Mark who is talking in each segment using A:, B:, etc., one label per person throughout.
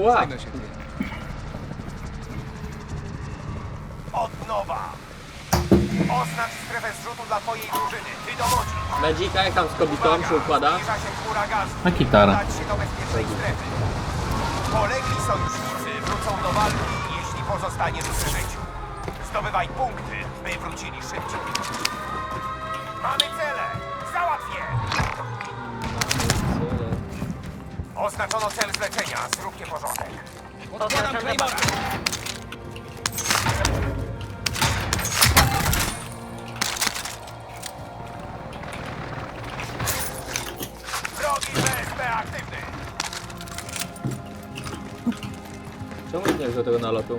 A: Ła!
B: Zajmę się tym.
C: Od nowa. Oznacz strefę zrzutu dla twojej drużyny. Ty dowodzisz.
A: Medzika jak tam z kobietą się układa?
C: Zbliża się chmura gazu.
D: Na gitarę.
C: Udać się do bezpiecznej strefy. Polegli sojusznicy wrócą do walki, jeśli pozostaniesz przy życiu. Zdobywaj punkty, by wrócili szybciej. Mamy cele! Załatw je! Oznaczono cel zlecenia. Zróbcie porządek.
B: Odkładam Claymora.
C: Wrogi BSP aktywny.
A: Czemu nie wziął tego nalotu?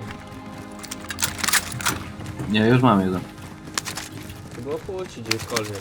D: Nie, już mam jeden.
A: To było płci gdziekolwiek.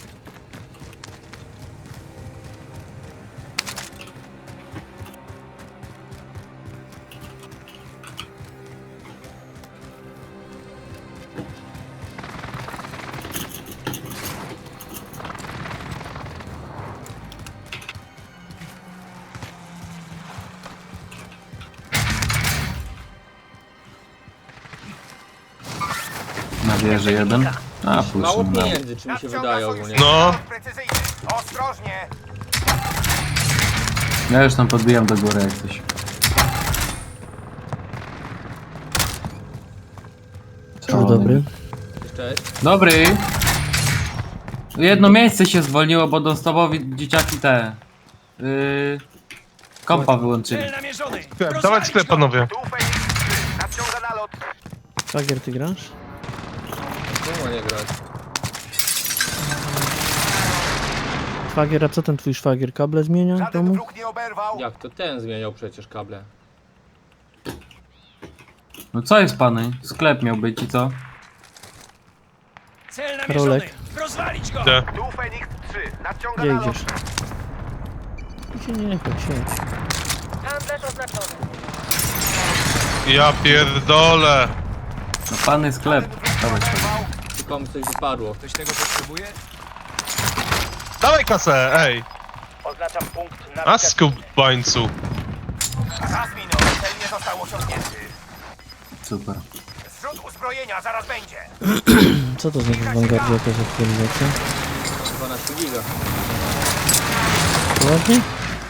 D: Na wieży jeden. A, pół
A: Mało
D: szybnęło.
A: pieniędzy, czy mi się wydaje ogólnie.
E: No.
C: Precyzyjny. Ostrożnie.
D: Ja już tam podbijam do góry jak coś.
F: Dzień dobry.
A: Cześć.
D: Dobry! Jedno miejsce się zwolniło, bo Donstopowi dzieciaki te... kompa wyłączyli.
B: Cel namierzony.
E: Dawać
B: Rozwalić
E: sklep,
B: go.
E: panowie.
C: Tu Feniks 3. Nadciąga nalot.
F: Szwagier, ty grasz?
A: Czemu nie grać?
F: Szwagier, a co ten twój szwagier? Kable zmienia w
C: Żaden
F: domu?
C: wróg nie oberwał.
A: Jak to ten zmieniał przecież kable?
D: No co jest pany? Sklep miał być i co?
B: Cel namierzony.
F: Rolek.
B: Rozwalić go.
E: Gdzie?
C: Tu Feniks 3. Nadciąga
F: Gdzie
C: nalot.
F: idziesz? Nie, chodź, siedź.
G: Handlarz oznaczony.
E: Ja pierdolę.
D: No pany sklep. Dawaj,
A: Czy komuś coś wypadło?
B: Ktoś tego potrzebuje?
E: Dawaj kasę, ej.
C: Oznaczam punkt na
E: A skubańcu.
C: Raz minął. Cel nie został osiągnięty.
D: super.
C: Zrzut uzbrojenia zaraz będzie.
F: Co to znaczy w Vanguardzie jakaś aktualizacja?
A: 12 giga.
F: Poważnie?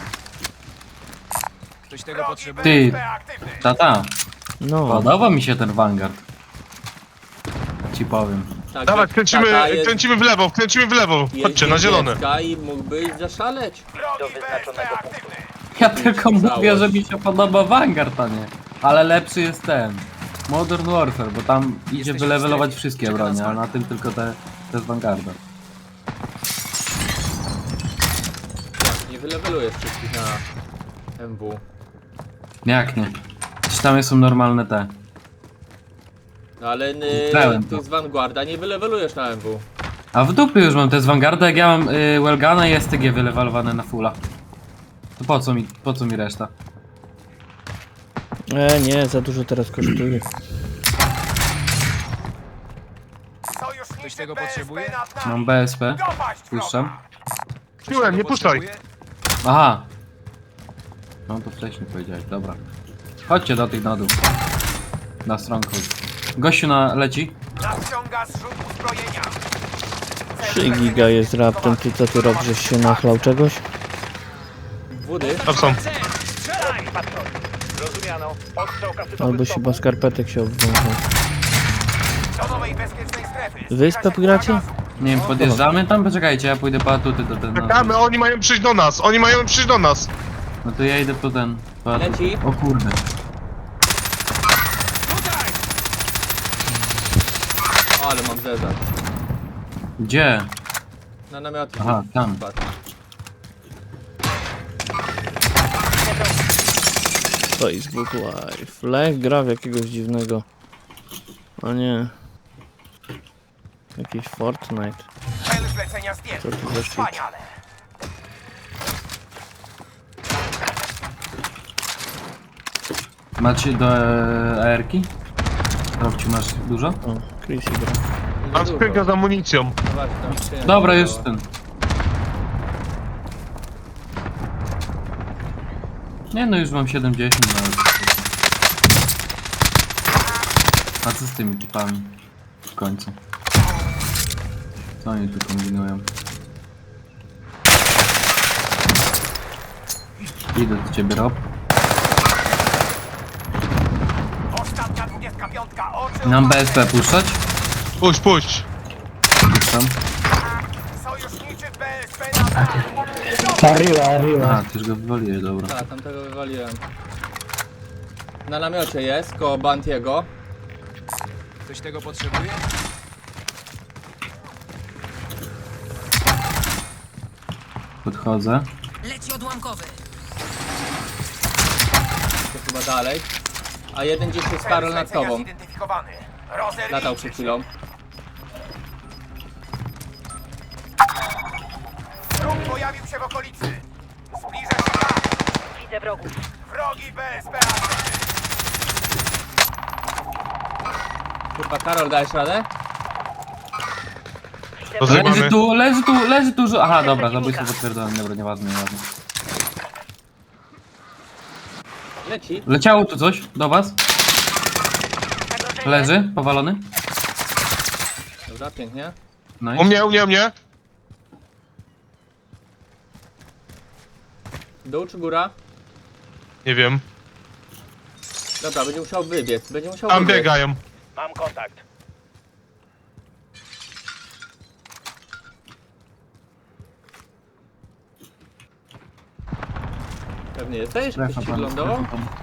B: Ktoś tego potrzebuje?
D: Ty,
C: BSP aktywny.
D: tata,
F: No,
D: podoba mi się ten Vanguard. Ci powiem.
A: Tak,
E: Dawaj,
A: tata
E: kręcimy w lewo, kręcimy w lewo. Chodźcie, na zielone.
A: I mógłbyś zaszaleć.
C: Wrogi BSP aktywny.
D: Ja tylko
A: Całość.
D: mówię, że mi się podoba Vanguard, a nie. Ale lepszy jest ten. Modern Warfare, bo tam idzie
B: Jesteśmy
D: wylewelować
B: w strefie.
D: wszystkie
B: Czeka
D: bronie,
B: nas
D: a na tym tylko te z Vanguarda.
A: Nie wylewelujesz wszystkich na MW.
D: Jak nie? Czy tam są normalne te?
A: No ale
D: Grałem to.
A: tych z Vanguarda nie wylewelujesz na MW.
D: A w dupie już mam te z Vanguarda, jak ja mam Wellgana i STG wylewelowane na fulla. To po co mi reszta?
F: nie, za dużo teraz kosztuje.
C: Sojusznicy
B: Ktoś tego
C: BSP
B: potrzebuje?
C: nad nami.
D: Mam BSP.
C: Dopaść wroga.
D: Puszczam.
B: Ktoś
E: Piłem,
B: tego
E: nie puszczaj.
B: potrzebuje?
D: Aha. No to wcześniej powiedziałeś, dobra. Chodźcie do tych na dół. Na stronghold. Gościu leci.
C: Nadciąga zrzut uzbrojenia.
F: 3 giga jest raptem, ty co ty robisz, żeś się nachlał czegoś?
A: Wody?
E: Tam są.
B: Cel. Strzelaj.
C: Rozumiano. Odstrzał kasytowy
F: Albo się bez skarpetek się obwiązał.
C: do nowej bezpiecznej strefy.
F: Wyspę gracie?
D: Nie wiem, podjeżdżamy tam? Poczekajcie, ja pójdę po atuty do ten.
E: Czekamy, oni mają przyjść do nas, oni mają przyjść do nas.
D: No to ja idę po ten. Po atuty.
A: Leci.
D: O kurde.
B: Tutaj.
A: Ale mam zezar.
D: Gdzie?
A: Na namioty.
D: Aha, tam.
A: Patrz.
F: Facebook Live. Lech gra w jakiegoś dziwnego. A nie. Jakiś Fortnite.
C: Cel zlecenia zdjęty.
F: Co to za shit?
C: Wspaniale.
D: Macie do AR-ki? Robci, masz dużo?
F: O, Chrissy gra.
E: Mam skrzynkę z amunicją.
A: No właśnie, tam skrzynia
D: Dobra, już
A: została.
D: ten. Nie no, już mam 70 nawet. A co z tymi typami? W końcu. Co oni tu kombinują? Idę do ciebie, Rob.
C: Ostatnia 25. Oczy
D: Nam
C: otwarte.
D: BSP puszczać?
E: Puść, puść.
D: Puszczam.
C: Sojuszniczy BSP na
D: Aha, ty już go wywaliłeś, dobra.
A: Tak, tamtego wywaliłem. Na namiocie jest, koło Bantiego.
B: Ktoś tego potrzebuje?
D: Podchodzę.
G: Leci odłamkowy.
A: To chyba dalej. A jeden gdzieś jest Karol nad tobą.
C: Zidentyfikowany. Rozer
A: Latał
C: liczy
A: przed
C: się.
A: chwilą.
C: Wróg pojawił się w okolicy. Zbliża się tak.
G: Widzę wrogów.
C: Wrogi BSP aktywny.
A: Kurwa, Karol, dajesz radę?
E: Rozrywamy.
D: Leży tu, aha, dobra, zabójstwo potwierdzone, dobra, nieważne.
A: Leci.
D: Leciało tu coś do was?
G: Zagrożenie.
D: Leży, powalony?
A: Dobra, pięknie.
D: No
E: U mnie, u mnie, u mnie.
A: Dół czy góra?
E: Nie wiem.
A: Dobra, będzie musiał wybiec. Będzie musiał
E: Tam
A: wybiec.
E: biegają.
C: Mam kontakt.
A: Pewnie jesteś?
D: Strefa
A: Ktoś ci
D: pan,
A: wylądował?
D: strefa pan.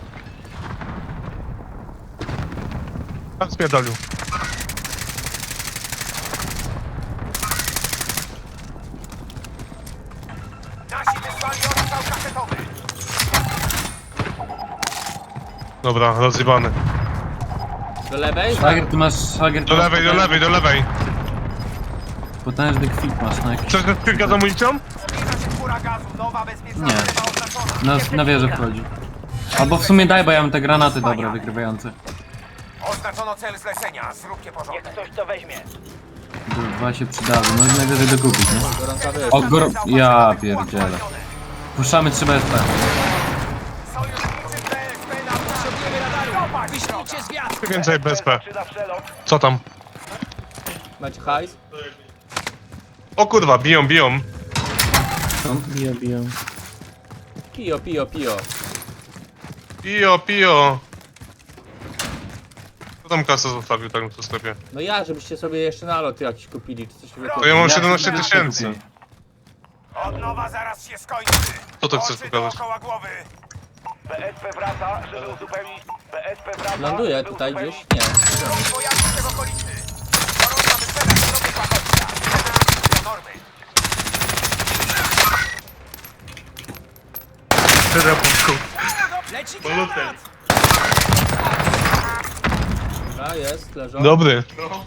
E: Tam spierdolił.
C: Nasi wysłali ostrzał kasetowy.
E: Dobra, rozjebany.
A: Do lewej?
D: Szwagier, ty masz, szwagier, ty
E: Do
D: masz
E: lewej, do
D: potężny-
E: lewej, do lewej.
D: Potężny kwit masz na jakiś...
E: Chcesz też kilka z amunicją?
C: Zbliża się chmura gazu. Nowa bezpieczna
D: Nie.
C: strefa oznaczona.
D: Na wieżę wchodzi. Albo w sumie daj, bo ja mam te granaty dobre, wykrywające.
C: Oznaczono cel zlecenia. Zróbcie porządek. Ktoś to weźmie.
D: Dwa się przydały, no i najwyżej dokupić, nie?
A: Gorąca wyjazd.
D: O, ja pierdzielę. Puszczamy 3 BSP.
C: Sojuszniczy BSP na potrzebujemy radaru.
B: Wyślijcie zwiat!
E: Więcej BSP. Co tam?
A: Macie hajs?
E: O kurwa, biją, biją.
F: Biją.
A: Pijo, pijo, pijo.
E: Pijo, pijo. Kto tam kasę zostawił tak w sklepie?
A: No ja, żebyście sobie jeszcze nalot jakiś kupili, czy coś
E: To
A: wykupić.
E: ja mam 17 tysięcy.
C: Odnowa zaraz się skończy.
E: Co to chcesz
C: Oczy
E: pokazać?
C: dookoła głowy. BSP wraca, żeby uzupełnić. BSP wraca.
A: Ląduje tutaj gdzieś? Nie.
C: Wróg pojawił się w okolicy. Gorąca wyspera, nowy pachołka. Do normy.
B: Leci granat!
A: Dobra, jest, leżą.
E: Dobry.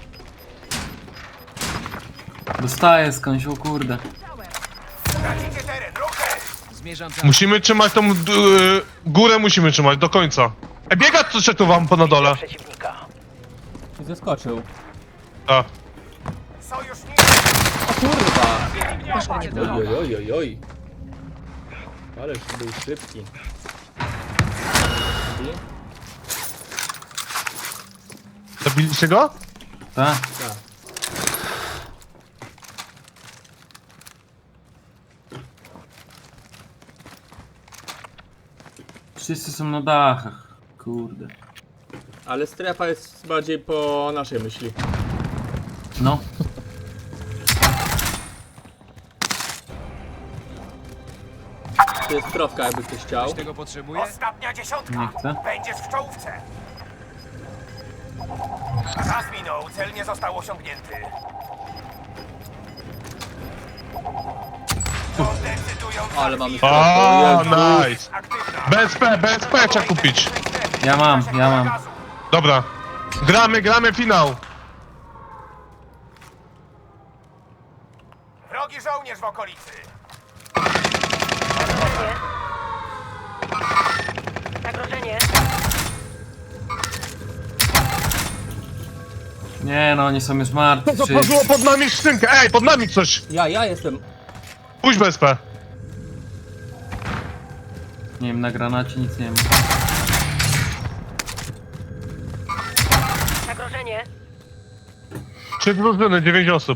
D: Dostaję skądś, o kurde.
C: Tracicie teren, ruchy.
B: Zmierzam tam.
E: Musimy trzymać tą górę, musimy trzymać do końca. Biega coś tu wam po na dole.
A: I zeskoczył.
E: A,
C: Sojuszniczy.
A: O kurwa! Oj, oj, oj, oj. Ależ był szybki.
E: zabiliście go?
D: Tak?
A: Tak.
D: Wszyscy są na dachach. Kurde.
A: Ale strefa jest bardziej po naszej myśli.
D: No.
A: To jest krowka, jakby ktoś chciał.
B: Ktoś tego potrzebuje?
C: Ostatnia dziesiątka.
D: Nie chcę.
C: Będziesz w czołówce. Czas minął, cel nie został osiągnięty. Decydująca
A: Ale mamy
C: chwila.
E: O,
A: Jezu.
E: nice.
C: Aktywna.
E: BSP trzeba kupić.
D: Ja mam.
E: Dobra. Gramy finał.
C: Wrogi żołnierz w okolicy.
G: Zagrożenie.
D: Nie no, oni są już martwi.
E: Co padło pod nami skrzynkę? Ej, pod nami coś.
A: Ja jestem.
E: Pójdź BSP.
D: Nie wiem, na granacie nic nie ma.
G: Zagrożenie.
E: 3 drużyny, 9 osób.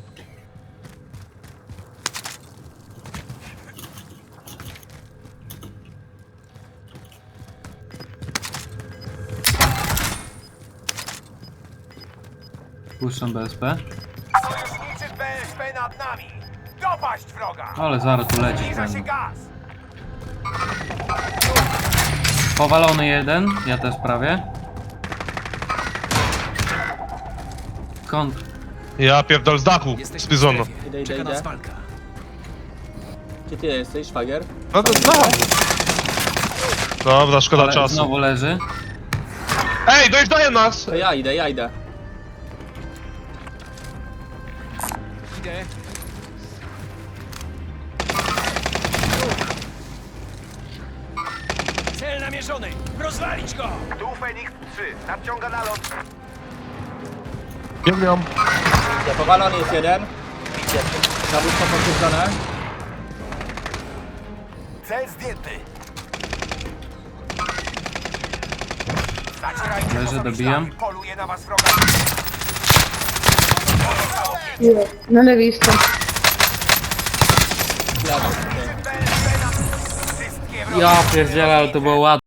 D: Puszczam BSP.
C: Sojuszniczy BSP nad nami. Dopaść wroga.
D: Ale zaraz tu lecieć
C: Zbliża się
D: będą.
C: gaz.
D: Powalony jeden, ja też prawie. Kąt.
E: Ja pierdol z dachu, z
B: Jesteśmy w
E: bizonu.
B: strefie.
A: Idę,
B: Czeka
A: idę.
B: nas walka.
A: Gdzie ty jesteś, szwagier?
E: No to znam. Dobra, szkoda
D: Ale
E: czasu.
D: znowu leży.
E: Ej, dojeżdżają nas!
A: To ja idę.
B: Idę. Cel namierzony! Rozwalić go!
C: Tu Fenix 3. Nadciąga na lot.
E: Biegam.
A: Powalony jest jeden. Zabójstwo potwierdzone.
C: Cel zdjęty. Zacierajcie
D: Leży,
C: poza
D: dobijam.
C: myślami. Poluje na was wroga.
H: Na lewej stronie.
C: BSP na... Wszystkie wrogi.
F: Ja pierdzielę, ale to było ładne.